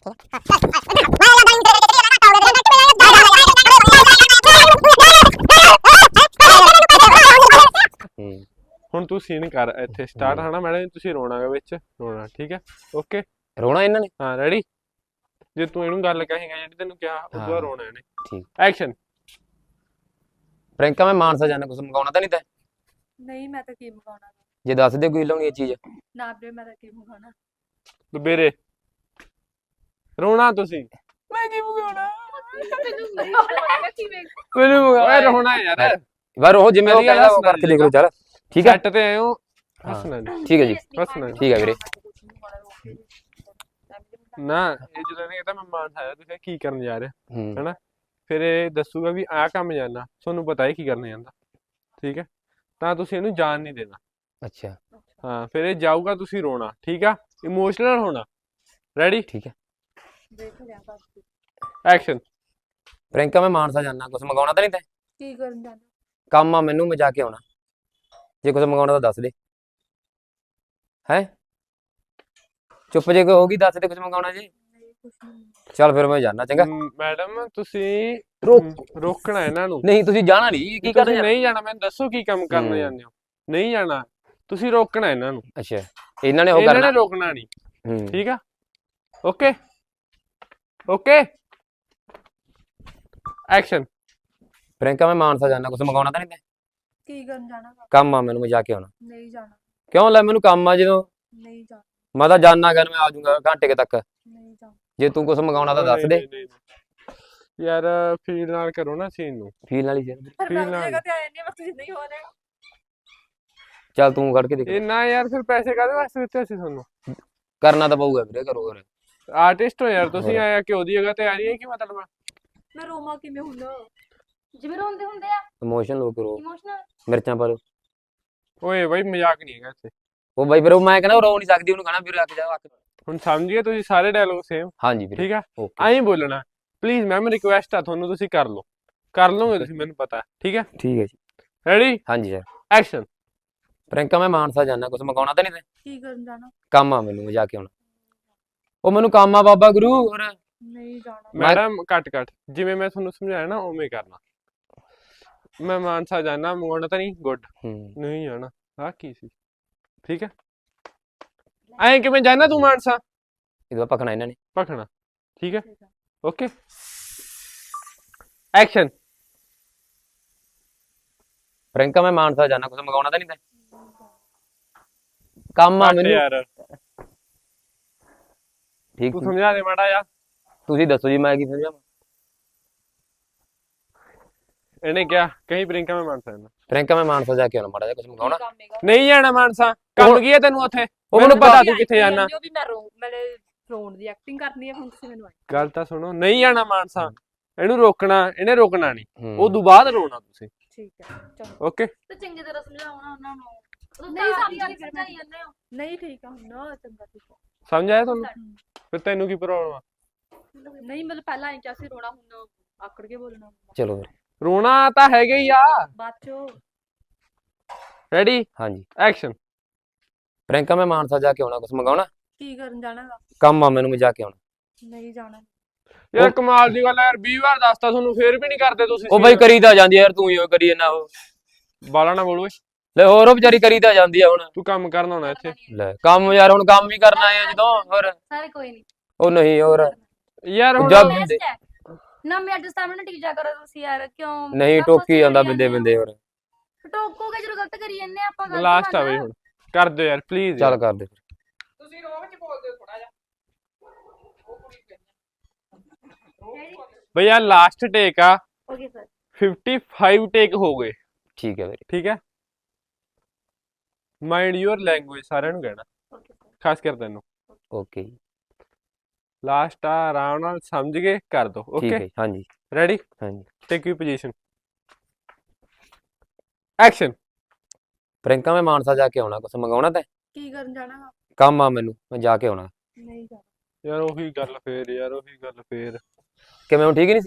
ਹੁਣ ਤੂੰ ਸੀਨ ਕਰ ਇੱਥੇ ਸਟਾਰਟ ਹਨਾ ਮੈਡਮ ਤੁਸੀਂ ਰੋਣਾਗਾ ਵਿੱਚ ਰੋਣਾ ਠੀਕ ਹੈ ਓਕੇ ਰੋਣਾ ਇਹਨਾਂ ਨੇ ਹਾਂ ਰੈਡੀ ਜੇ ਤੂੰ ਇਹਨੂੰ ਗੱਲ ਕਹੇਗਾ ਜਿਹੜੀ ਤੈਨੂੰ ਕਿਹਾ ਉਦੋਂ ਬਾਅਦ ਰੋਣਾ ਇਹਨੇ ਠੀਕ ਐਕਸ਼ਨ ਪ੍ਰਿੰਕਾ ਮੈਂ ਮਾਨਸਾ ਜਾਣਾ ਕੁਝ ਮੰਗਾਉਣਾ ਤਾਂ ਨਹੀਂ ਤੈਂ ਨਹੀਂ ਮੈਂ ਤਾਂ ਕੀ ਮੰਗਾਉਣਾ ਜੇ ਦੱਸ ਦੇ ਕੋਈ ਲਾਉਣੀ ਇਹ ਚੀਜ਼ ਨਾ ਵੀਰੇ ਮੈਂ ਤਾਂ ਕੀ ਮੰਗਾਉਣਾ ਦੁਬੇਰੇ ਰੋਣਾ ਤੁਸੀਂ ਮੈਂ ਕੀ ਮੰਗਾਉਣਾ ਮੈਨੂੰ ਓਏ ਰੋਣਾ ਯਾਰ ਵਾਰ ਉਹ ਜਿਵੇਂ ਉਹ ਕਹਿੰਦਾ ਉਹ ਕਰਕੇ ਦੇਖ ਲਓ ਚੱਲ ਠੀਕ ਹੈ ਸੈੱਟ ਤੇ ਆਇਓ ਹੱਸਣਾ ਠੀਕ ਹੈ ਜੀ ਹੱਸਣਾ ਠੀਕ ਹੈ ਵੀਰੇ ਨਾ ਇਹ ਜਦੋਂ ਨੇ ਕਹਿੰਦਾ ਮੈਂ ਮਾਨ ਆਇਆ ਤੁਸੀਂ ਕੀ ਕਰਨ ਜਾ ਰਹੇ ਹੂੰ ਹੈਨਾ ਫਿਰ ਇਹ ਦੱਸੂਗਾ ਵੀ ਆਹ ਕੰਮ ਜਾਣਾ ਤੁਹਾਨੂੰ ਪਤਾ ਹੈ ਕੀ ਕਰਨ ਜਾਂਦਾ ਠੀਕ ਹੈ ਤਾਂ ਤੁਸੀਂ ਇਹਨੂੰ ਜਾਣ ਨਹੀਂ ਦੇਣਾ ਅੱਛਾ ਹਾਂ ਫਿਰ ਇਹ ਜਾਊਗਾ ਤੁਸੀਂ ਰੋਣਾ ਠੀਕ ਆ ਇਮੋਸ਼ਨਲ ਹੋਣਾ ਰੈਡੀ ਠੀਕ ਹੈ ਦੇਖ ਲਿਆ ਬਸ ਐਕਸ਼ਨ ਪ੍ਰਿੰਕਾ ਮੈਂ ਮਾਨਸਾ ਜਾਣਾ ਕੁਝ ਮੰਗਾਉਣਾ ਤਾਂ ਨਹੀਂ ਤੈਂ ਕੀ ਕਰਨ ਜਾਣਾ ਕੰਮ ਆ ਮੈਨੂੰ ਮੈਂ ਜਾ ਕੇ ਆਉਣਾ ਜੇ ਕੁਝ ਮੰਗਾਉਣਾ ਤਾਂ ਦੱਸ ਦੇ ਹੈ ਚੁੱਪ ਜੇ ਕੋਈ ਹੋਗੀ ਦੱਸ ਦੇ ਕੁਝ ਮੰਗਾਉਣਾ ਜੀ ਨਹੀਂ ਕੁਛ ਨਹੀਂ ਚੱਲ ਫਿਰ ਮੈਂ ਜਾਣਾ ਚੰਗਾ ਮੈਡਮ ਤੁਸੀਂ ਰੋਕ ਰੋਕਣਾ ਇਹਨਾਂ ਨੂੰ ਨਹੀਂ ਤੁਸੀਂ ਜਾਣਾ ਨਹੀਂ ਕੀ ਕਰਦੇ ਤੁਸੀਂ ਨਹੀਂ ਜਾਣਾ ਮੈਨੂੰ ਦੱਸੋ ਕੀ ਕੰਮ ਕਰਨ ਜਾਂਦੇ ਹੋ ਨਹੀਂ ਜਾਣਾ ਤੁਸੀਂ ਰੋਕਣਾ ਇਹਨਾਂ ਨੂੰ ਅੱਛਾ ਇਹਨਾਂ ਨੇ ਉਹ ਇਹਨਾਂ ਕਰਨਾ ਨੇ ਰੋਕਣਾ ਨਹੀਂ ਹੂੰ ਠੀਕ ਆ ਓਕੇ ਓਕੇ ਐਕਸ਼ਨ ਪ੍ਰਿੰਕਾ ਮੈਂ ਮਾਨਸਾ ਜਾਣਾ ਕੁਝ ਮੰਗਾਉਣਾ ਤਾਂ ਨਹੀਂ ਤੈਂ ਕੀ ਕਰਨ ਜਾਣਾ ਕੰਮ ਆ ਮੈਨੂੰ ਮੈਂ ਜਾ ਕੇ ਆਉਣਾ ਨਹੀਂ ਜਾਣਾ ਕਿਉਂ ਲੈ ਮੈਨੂੰ ਕੰਮ ਆ ਜਦੋਂ ਨਹੀਂ ਜਾਣਾ ਮੈਂ ਤਾਂ ਜਾਣਾ ਕਰ ਮੈਂ ਆ ਜਾਊਂਗਾ ਘੰਟੇ ਕੇ ਤੱਕ ਨਹੀਂ ਜਾਣਾ ਜੇ ਤੂੰ ਕੁਝ ਮੰਗਾਉਣਾ ਤਾਂ ਦੱਸ ਦੇ ਨਹੀਂ, ਨਹੀਂ। ਯਾਰ ਫੀਲ ਨਾਲ ਕਰੋ ਨਾ ਸੀਨ ਨੂੰ ਫੀਲ ਵਾਲੀ ਫਿਰ ਪਰ ਫੀਲ ਮੈਂ ਨਾਲ। ਜਗ੍ਹਾ ਤੇ ਆਇਆ ਨਹੀਂ ਬਸ ਤੁਸੀਂ ਨਹੀਂ ਹੋ ਰਿਹਾ ਚੱਲ ਤੂੰ ਕੱਢ ਕੇ ਦੇਖ ਇਹ ਨਾ ਯਾਰ ਫਿਰ ਪੈਸੇ ਕਾਹਦੇ ਵਾਸਤੇ ਦਿੱਤੇ ਅਸੀਂ ਤੁਹਾਨੂੰ ਕਰਨਾ ਤਾਂ ਪਊਗਾ ਵੀਰੇ ਕਰੋ ਫਿਰ ਆਰਟਿਸਟ ਹੋ ਯਾਰ ਤੁਸੀਂ ਆਇਆ ਕਿ ਉਹਦੀ ਜਗ੍ਹਾ ਤੇ ਆ ਰਹੀ ਹੈ ਕੀ ਮਤਲਬ ਆ? ਮੈਂ ਰੋਮਾ ਕਿਵੇਂ ਹੁੰਦਾ ਜਿਵੇਂ ਰੋਂਦੇ ਹੁੰਦੇ ਆ ਇਮੋਸ਼ਨ ਲੋ ਕਰੋ ਇਮੋਸ਼ਨਲ ਮਿਰਚਾਂ ਪਾ ਲਓ ਓਏ ਬਾਈ ਮਜ਼ਾਕ ਨਹੀਂ ਹੈਗਾ ਇੱਥੇ ਉਹ ਬਾਈ ਫਿਰ ਉਹ ਮੈਂ ਕਹਿੰਦਾ ਉਹ ਰੋ ਨਹੀਂ ਸਕਦੀ ਉਹਨੂੰ ਕਹਣਾ ਵੀਰੇ ਰੱਖ ਜਾ ਅੱਖ ਹੁਣ ਸਮਝ ਗਏ ਤੁਸੀਂ ਸਾਰੇ ਡਾਇਲੋਗ ਸੇਮ ਹਾਂਜੀ ਵੀਰੇ ਠੀਕ ਆ ਓਕੇ ਐਂ ਬੋਲਣਾ ਪਲੀਜ਼ ਮੈਮ ਰਿਕੁਐਸਟ ਆ ਤੁਹਾਨੂੰ ਤੁਸੀਂ ਕਰ ਲਓਗੇ ਤੁਸੀਂ ਮੈਨੂੰ ਪਤਾ ਠੀਕ ਹੈ ਠੀਕ ਹੈ ਜੀ ਰੈਡੀ ਹਾਂਜੀ ਸਰ ਐਕਸ਼ਨ ਪ੍ਰਿੰਕਾ ਮੈਂ ਮਾਨਸਾ ਜਾਣਾ ਕੁਝ ਮੰਗਾਉਣਾ ਤਾਂ ਨਹੀਂ ਤੈਂ ਕੀ ਕਰਨ ਜਾਣਾ ਕੰਮ ਆ ਮੈਨੂੰ ਮੈਂ ਜਾ ਕੇ ਆਉਣਾ ਉਹ ਮੈਨੂੰ ਕੰਮ ਆ ਬਾਬਾ ਗੁਰੂ ਹੋਰ ਨਹੀਂ ਜਾਣਾ ਮੈਡਮ ਕੱਟ ਜਿਵੇਂ ਮੈਂ ਤੁਹਾਨੂੰ ਸਮਝਾਇਆ ਨਾ ਉਵੇਂ ਕਰਨਾ ਮੈਂ ਮਾਨਸਾ ਜਾਣਾ ਮੰਗਾਉਣਾ ਤਾਂ ਨਹੀਂ ਗੁੱਡ ਹੂੰ ਨਹੀਂ ਜਾਣਾ ਆ ਕੀ ਸੀ ਠੀਕ ਹੈ ਐਂ ਕਿਵੇਂ ਜਾਣਾ ਤੂੰ ਮਾਨਸਾ ਇਹਦਾ ਪਕਣਾ ਇਹਨਾਂ ਨੇ ਭਖਣਾ ਠੀਕ ਹੈ ਓਕੇ ਐਕਸ਼ਨ ਪ੍ਰਿੰਕਾ ਮੈਂ ਮਾਨਸਾ ਜਾਣਾ ਕੁਝ ਮੰਗਾਉਣਾ ਤਾਂ ਨਹੀਂ ਤੈਂ ਕੰਮ ਆ ਮੈਨੂੰ ਯਾਰ ਠੀਕ ਤੂੰ ਸਮਝਾ ਦੇ ਮਾੜਾ ਯਾਰ ਤੁਸੀਂ ਦੱਸੋ ਜੀ ਮੈਂ ਕੀ ਸਮਝਾਵਾਂ ਇਹਨੇ ਕਿਹਾ ਕहीं ਪ੍ਰਿੰਕਾ ਮੈਂ ਮਾਨਸਾ ਜਾਣਾ ਪ੍ਰਿੰਕਾ ਮੈਂ ਮਾਨਸਾ ਜਾ ਕੇ ਆਉਣਾ ਮਾੜਾ ਜਿਹਾ ਕੁਝ ਮੰਗਾਉਣਾ ਨਹੀਂ ਜਾਣਾ ਮਾਨਸਾ ਕੰਮ ਕੀ ਹੈ ਤੈਨੂੰ ਉੱਥੇ ਉਹ ਮੈਨੂੰ ਮੈਨੂੰ ਪਤਾ ਤੂੰ ਕਿੱਥੇ ਜਾਣਾ ਵੀ ਮੈਂ ਮੈਨੇ ਰੋਣ ਦੀ ਐਕਟਿੰਗ ਕਰਨੀ ਹੈ ਹੁਣ ਤੁਸੀਂ ਮੈਨੂੰ ਆਏ ਗੱਲ ਤਾਂ ਸੁਣੋ ਨਹੀਂ ਜਾਣਾ ਮਾਨਸਾ ਇਹਨੂੰ ਰੋਕਣਾ ਇਹਨੇ ਰੋਕਣਾ ਨਹੀਂ ਹੂੰ। ਉਦੋਂ ਬਾਅਦ ਰੋਣਾ ਤੁਸੀਂ ਠੀਕ ਹੈ ਚਲੋ ਓਕੇ ਤੇ ਚੰਗੀ ਤਰ੍ਹਾਂ ਸਮਝਾਉਣਾ ਉਹਨਾਂ ਨੂੰ ਨਹੀਂ ਨਹੀਂ ਸਮਝੀ ਸਮਝਾਈ ਜਾਂਦੇ ਹੋ ਨਹੀਂ ਠੀਕ ਆ ਹੁਣ ਨਾ ਚੰਗਾ ਠੀਕ ਆ ਸਮਝ ਆਇਆ ਤੁਹਾਨੂੰ ਫਿਰ ਤੈਨੂੰ ਕੀ ਪ੍ਰੋਬਲਮ ਆ ਨਹੀਂ ਮਤਲਬ ਪਹਿਲਾਂ ਐਂ ਕਿਹਾ ਸੀ ਰੋਣਾ ਹੁਣ ਆਕੜ ਕੇ ਬੋਲਣਾ ਚਲੋ ਵੀਰੇ ਰੋਣਾ ਤਾਂ ਹੈਗਾ ਹੀ ਆ ਬਾਅਦ ਚੋਂ ਰੈਡੀ ਹਾਂਜੀ ਐਕਸ਼ਨ ਪ੍ਰਿੰਕਾ ਮੈਂ ਮਾਨਸਾ ਜਾ ਕੇ ਆਉਣਾ ਕੁਝ ਮੰਗਾਉਣਾ ਕੀ ਕਰਨ ਜਾਣਾ ਗਾ? ਕੰਮ ਆ ਮੈਨੂੰ ਮੈਂ ਜਾ ਕੇ ਆਉਣਾ ਨਹੀਂ ਜਾਣਾ ਯਾਰ ਕਮਾਲ ਦੀ ਗੱਲ ਆ ਯਾਰ 20 ਵਾਰ ਦੱਸਤਾ ਤੁਹਾਨੂੰ ਫੇਰ ਵੀ ਨਹੀਂ ਕਰਦੇ ਤੁਸੀਂ ਉਹ ਬਾਈ ਕਰੀ ਤਾਂ ਜਾਂਦੀ ਆ ਯਾਰ ਤੂੰ ਹੀ ਉਹ ਕਰੀ ਜਾਂਦਾ ਉਹ ਬਾਲਾ ਨਾ ਬੋਲ ਓਏ ਲੈ ਹੋਰ ਉਹ ਵਿਚਾਰੀ ਕਰੀ ਤਾਂ ਜਾਂਦੀ ਆ ਹੁਣ ਤੂੰ ਕੰਮ ਕਰਨ ਆਉਣਾ ਇੱਥੇ ਲੈ ਕੰਮ ਯਾਰ ਹੁਣ ਕੰਮ ਵੀ ਕਰਨਾ ਆ ਜਦੋਂ ਹੋਰ ਸਾਰੇ ਕੋਈ ਨਹੀਂ ਉਹ ਨਹੀਂ ਹੋਰ ਯਾਰ ਹੁਣ ਜਦ ਬੈਸਟ ਹੈ ਨਾ ਮੈਂ ਅੱਜ ਸਾਹਮਣੇ ਟਿਕ ਜਾ ਕਰੋ ਤੁਸੀਂ ਯਾਰ ਕਿਉਂ ਨਹੀਂ ਆਪਾਂ ਟੋਕੀ ਜਾਂਦਾ ਸਹੀ ਬਿੰਦੇ ਬਿੰਦੇ ਹੋਰ ਟੋਕੋਗੇ ਜਦੋਂ ਗਲਤ ਕਰੀ ਜੰਨੇ ਆਪਾਂ ਗਲਤ ਲਾਸਟ ਆ ਬਈ ਹੁਣ ਕਰ ਦਿਓ ਯਾਰ ਪਲੀਜ਼ ਚੱਲ ਕਰ ਦੇ ਤੁਸੀਂ ਰੋਹ ਵਿੱਚ ਬੋਲਦੇ ਹੋ ਥੋੜਾ ਜਿਹਾ ਉਹ ਕੁੜੀ ਬਈ ਆ ਲਾਸਟ ਟੇਕ ਆ ਓਕੇ ਸਰ 55 ਟੇਕ ਹੋ ਗਏ ਠੀਕ ਹੈ ਵੀਰੇ ਠੀਕ ਹੈ ਮਾਈਂਡ ਯੂਅਰ ਲੈਂਗੁਏਜ ਸਾਰਿਆਂ ਨੂੰ ਕਹਿਣਾ ਓਕੇ ਸਰ ਖਾਸ ਕਰ ਤੈਨੂੰ ਓਕੇ ਲਾਸਟ ਆ ਆਰਾਮ ਨਾਲ ਸਮਝ ਕੇ ਕਰ ਦੋ ਠੀਕ ਓਕੇ ਹੈ ਹਾਂਜੀ ਰੈਡੀ ਹਾਂਜੀ take you position action Priyanka ਮੈਂ ਮਾਨਸਾ ਜਾ ਕੇ ਆਉਣਾ ਕੁਝ ਮੰਗਾਉਣਾ ਤੈਂ ਕੀ ਕਰਨ ਜਾਣਾ ਗਾ? ਕੰਮ ਆ ਮੈਨੂੰ ਮੈਂ ਜਾ ਕੇ ਆਉਣਾ ਨਹੀਂ ਜਾਣਾ ਯਾਰ ਉਹੀ ਗੱਲ ਫੇਰ ਕਿਵੇਂ ਹੁਣ ਠੀਕ ਨਹੀਂ ਸੀ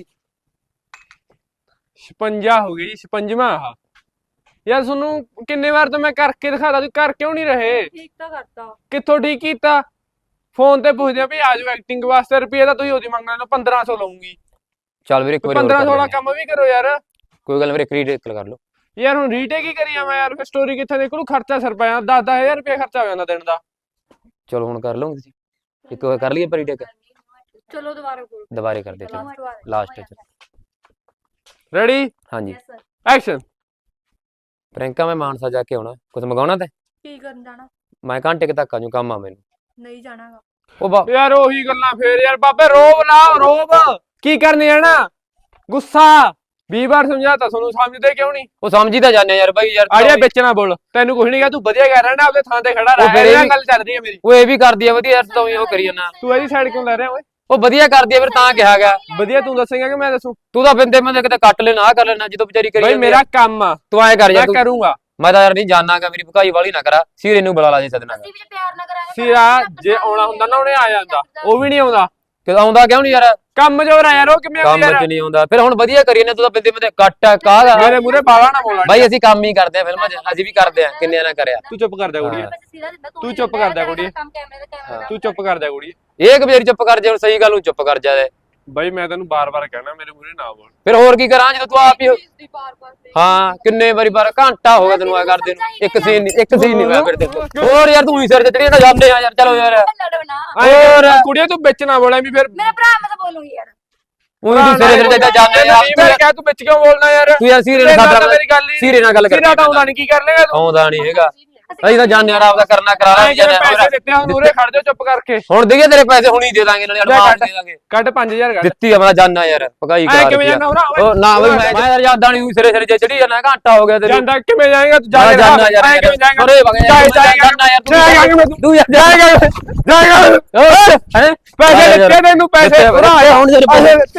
56 ਹੋ ਗਈ ਜੀ 56ਵਾਂ ਆਹ ਯਾਰ ਤੁਹਾਨੂੰ ਕਿੰਨੇ ਵਾਰ ਤਾਂ ਮੈਂ ਕਰਕੇ ਦਿਖਾਦਾ ਤੁਸੀਂ ਕਰ ਕਿਉਂ ਨਹੀਂ ਰਹੇ ਠੀਕ ਤਾਂ ਕਰਤਾ ਕਿੱਥੋਂ ਠੀਕ ਕੀਤਾ ਫੋਨ ਤੇ ਪੁੱਛਦੇ ਆ ਵੀ ਆ ਜਾਓ ਐਕਟਿੰਗ ਵਾਸਤੇ, ਰੁਪਏ ਤਾਂ ਤੁਸੀਂ ਉਹਦੀ ਮੰਗਣਾ ਲਓ 1500 ਲਵਾਂਗੀ। ਚੱਲ ਵੀਰੇ ਇੱਕ ਵਾਰੀ ਹੋਰ 1500 ਵਾਲਾ ਕਰ ਲੈਂਦੇ ਕੰਮ ਵੀ ਕਰੋ ਯਾਰ। ਆ। ਕੋਈ ਗੱਲ ਨੀ ਵੀਰੇ ਕ੍ਰੀਏਟ ਕਰ ਲਓ। ਯਾਰ ਹੁਣ ਰੀਟੇਕ ਹੀ ਕਰੀ ਜਾਵਾਂ ਯਾਰ, ਫਿਰ ਸਟੋਰੀ ਕਿੱਥੇ ਨਿਕਲੂ, ਖਰਚਾ ਸਿਰ ਪਿਆ 10-10000 ਰੁਪਏ ਖਰਚਾ ਹੋ ਜਾਂਦਾ ਦਿਨ ਦਾ। ਚਲੋ ਹੁਣ ਕਰ ਲਓਗੇ ਤੁਸੀਂ, ਇੱਕ ਵਾਰ ਕਰ ਲਈਏ ਪਰੀ ਟੇਕ, ਚਲੋ ਦੁਬਾਰਾ ਕਰੋ। ਦੁਬਾਰੇ ਕਰਦੇ ਚਲੋ ਲਾਸਟ ਚ। ਰੈਡੀ ਹਾਂਜੀ ਯੈਸ ਸਰ। ਐਕਸ਼ਨ। ਪ੍ਰਿੰਕਾ ਮੈਂ ਮਾਨਸਾ ਜਾ ਕੇ ਆਉਣਾ, ਕੁਝ ਮੰਗਾਉਣਾ ਤੇ ਕੀ ਕਰਨ ਜਾਣਾ? ਮੈਂ ਘੰਟੇ ਕੁ ਤੱਕ ਆ ਜੂ, ਕੰਮ ਆ ਮੈਨੂੰ। ਨਹੀਂ ਜਾਣਾਗਾ। ਉਹ ਯਾਰ ਉਹੀ ਗੱਲਾਂ ਫੇਰ ਯਾਰ, ਬਾਬੇ ਰੋਬ ਨਾ ਰੋਬ, ਕੀ ਕਰਨੀ ਹੈ ਨਾ ਗੁੱਸਾ 20 ਵਾਰ ਸਮਝਾਤਾ ਤੁਹਾਨੂੰ, ਸਮਝਦੇ ਕਿਉਂ ਨਹੀਂ? ਉਹ ਸਮਝੀ ਤਾਂ ਜਾਂਦੇ ਯਾਰ ਬਾਈ ਯਾਰ। ਆੜਿਆ ਵਿੱਚ ਨਾ ਬੋਲ, ਤੈਨੂੰ ਕੁਝ ਨਹੀਂ ਕਿਹਾ, ਤੂੰ ਵਧੀਆ ਕਰ ਰਿਹਾ ਨਾ, ਆਪਦੇ ਥਾਂ ਤੇ ਖੜਾ ਉਹ ਫਿਰ ਰਹਿ, ਇਹ ਇਹ ਵੀ- ਗੱਲ ਚੱਲ ਰਹੀ ਹੈ ਮੇਰੀ। ਉਹ ਇਹ ਵੀ ਕਰਦੀ ਆ ਵਧੀਆ ਯਾਰ, ਤੂੰ ਹੀ ਉਹ ਕਰੀ ਜਾਂਦਾ। ਤੂੰ ਇਹਦੀ ਸਾਈਡ ਕਿਉਂ ਲੈ ਰਿਹਾ ਓਏ? ਉਹ ਵਧੀਆ ਕਰਦੀ ਆ ਫਿਰ ਤਾਂ ਕਿਹਾ ਗਿਆ। ਵਧੀਆ ਤੂੰ ਦੱਸੇਂਗਾ ਕਿ ਮੈਂ ਦੱਸੂ? ਤੂੰ ਤਾਂ ਬਿੰਦੇ ਮੈਂ ਕਿਤੇ ਕੱਟ ਲੈਣਾ ਆ ਕਰ ਲੈਣਾ, ਜਦੋਂ ਵਿਚਾਰੀ ਕਰੀ ਬਈ ਜਾਂਦੀ ਆ। ਮੇਰਾ ਕੰਮ ਆ, ਤੂੰ ਐ ਕਰ ਮੈਂ ਯਾਰ, ਕਰੂੰਗਾ। ਮੈਂ ਤਾਂ ਯਾਰ ਨਹੀਂ ਜਾਣਾਗਾ, ਮੇਰੀ ਭਕਾਈ ਵਾਲੀ ਨਾ ਕਰਾ, ਸੀਰੇ ਨੂੰ ਬੁਲਾ ਲਾ ਜੇ ਸਦਨਾ। ਅਸੀਂ ਵੀ ਜੇ ਪਿਆਰ ਨਾ ਕਰਾਂਗੇ ਸੀਰਾ ਜੇ ਆਉਣਾ ਹੁੰਦਾ ਨਾ ਉਹਨੇ ਆ ਜਾਂਦਾ, ਉਹ ਵੀ ਨਹੀਂ ਆਉਂਦਾ। ਕਿ ਆਉਂਦਾ ਕਿਉਂ ਨਹੀਂ ਯਾਰ? ਕੰਮ ਜੋਰ ਆ ਯਾਰ, ਉਹ ਕਿਵੇਂ ਕੰਮ ਆਉਂਦਾ ਯਾਰ? ਚ ਨਹੀਂ ਆਉਂਦਾ, ਫਿਰ ਹੁਣ ਵਧੀਆ ਕਰੀ ਨੇ, ਤੂੰ ਤਾਂ ਬਿੰਦੇ ਬਿੰਦੇ ਕੱਟ ਕਾਹਦਾ। ਮੇਰੇ ਮੂਰੇ ਬਾਲਾ ਨਾ ਬੋਲਣ। ਬਾਈ ਅਸੀਂ ਕੰਮ ਹੀ ਕਰਦੇ ਆ ਫਿਲਮਾਂ 'ਚ, ਅਸੀਂ ਵੀ ਕਰਦੇ ਆ, ਕਿੰਨਿਆਂ ਨਾਲ ਕਰਿਆ। ਤੂੰ ਚੁੱਪ ਕਰ ਜਾ ਕੁੜੀਏ, ਤੂੰ ਚੁੱਪ ਕਰ ਜਾ ਕੁੜੀਏ, ਕੰਮ ਕੈਮਰੇ ਦਾ ਕੈਮਰਾ ਤੂੰ ਚੁੱਪ ਕਰ ਜਾ ਕੁੜੀਏ। ਇਹ ਕਿ ਤੇਰੀ ਚੁੱਪ ਕਰ ਜਾ, ਹੁਣ ਸਹੀ ਗੱਲ ਨੂੰ ਚੁੱਪ ਕਰ ਜਾ ਦੇ। ਬਾਈ ਮੈਂ ਤੈਨੂੰ ਬਾਰ-ਬਾਰ ਕਹਿਣਾ, ਮੇਰੇ ਮੂਰੇ ਨਾ ਬੋਲ। ਫਿਰ ਹੋਰ ਕੀ ਕਰਾਂ ਜਦੋਂ ਤੂੰ ਆਪ ਹੀ ਦੀ ਬਾਰ-ਬਾਰ ਤੇ ਹਾਂ ਕਿੰਨੇ ਵਾਰੀ ਘੰਟਾ ਹੋ ਗਿਆ ਤੈਨੂੰ ਆ ਕਰਦੇ ਨੂੰ, ਇੱਕ ਸੀਨ ਨਹੀਂ ਮੈਂ ਫਿਰ ਦੇਖੋ। ਹੋਰ ਯਾਰ ਤੂੰ ਹੀ ਸਿਰ ਚੜੀ ਨਾ ਜਾਂਦੇ ਆ ਯਾਰ, ਚਲੋ ਯਾਰ। ਲੜਨਾ ਹੋਰ ਕੁੜੀਏ ਤੂੰ ਵਿੱਚ ਨਾ ਬੋਲੇ ਵੀ ਫਿਰ ਮੇਰਾ ਭਰਾ ਮੈਂ ਤਾਂ ਬੋਲੂੰਗੀ ਯਾਰ। ਉਹੀ ਤੂੰ ਸਿਰੇ ਸਿਰ ਚੱਲਦਾ ਜਾਂਦੇ ਨਹੀਂ ਮੈਂ ਯਾਰ। ਕਿਹਾ ਤੂੰ ਵਿੱਚ ਕਿਉਂ ਬੋਲਣਾ ਯਾਰ? ਤੂੰ ਯਾਰ ਸੀਰੇ ਤੇਰੇ ਨਾਲ ਨਾਲ ਤਾਂ ਗੱਲ ਮੇਰੀ ਗੱਲ ਹੀ ਸੀਰੇ ਨਾਲ ਗੱਲ ਕਰ। ਸੀਰਾ ਤਾਂ ਆਉਂਦਾ ਨਹੀਂ, ਕੀ ਕਰ ਲੇਗਾ ਤੂੰ? ਆਉਂਦਾ ਨਹੀਂ ਹੈਗਾ, ਅਸੀਂ ਤਾਂ ਜਾਣਦੇ ਯਾਰ, ਆਪਦਾ ਕਰਨਾ ਕਰਾ ਐਂ ਲੈ ਜਿਵੇਂ ਪੈਸੇ ਦਿੱਤੇ ਹੁਣ ਉਰੇ ਖੜ ਜਾ ਚੁੱਪ ਕਰਕੇ। ਹੁਣ ਦੇਈਏ ਤੇਰੇ ਪੈਸੇ ਹੁਣੀ ਦੇ ਦਾਂਗੇ ਨਾਲੇ ਐਡਵਾਂਸ ਦੇ ਦਾਂਗੇ। ਕੱਢ 5000 ਕੱਢ। ਦਿੱਤੀ ਆ ਮੈਂ ਜਾਨਣਾ ਯਾਰ, ਭਗਾਈ ਐ ਕਰਾ ਕਿਵੇਂ ਜਾਣਾ ਹੋਣਾ ਓਏ? ਉਹ ਨਾ ਬਈ ਮੈਂ ਯਾਰ ਯਾਦਾਂ ਨਹੀਂ ਸਿਰੇ ਸਿਰੇ ਜੇ ਚੜੀ ਜਾਣਾ, ਘੰਟਾ ਹੋ ਗਿਆ ਤੈਨੂੰ। ਜਾਂਦਾ ਕਿਵੇਂ ਜਾਏਗਾ ਤੂੰ? ਜਾ ਕੇ ਜਾਨਾ ਯਾਰ, ਐ ਕਿਵੇਂ ਜਾਏਗਾ? ਅਰੇ ਵਗ ਜਾ ਜਾਏਗਾ ਯਾਰ, ਜਾਏਗਾ ਤੂੰ ਯਾਰ ਜਾਏਗਾ ਜਾਏਗਾ ਹੈ ਪੈਸੇ ਦਿੱਤੇ ਤੈਨੂੰ, ਪੈਸੇ ਭਰਾ ਹੁਣ ਪੈਸੇ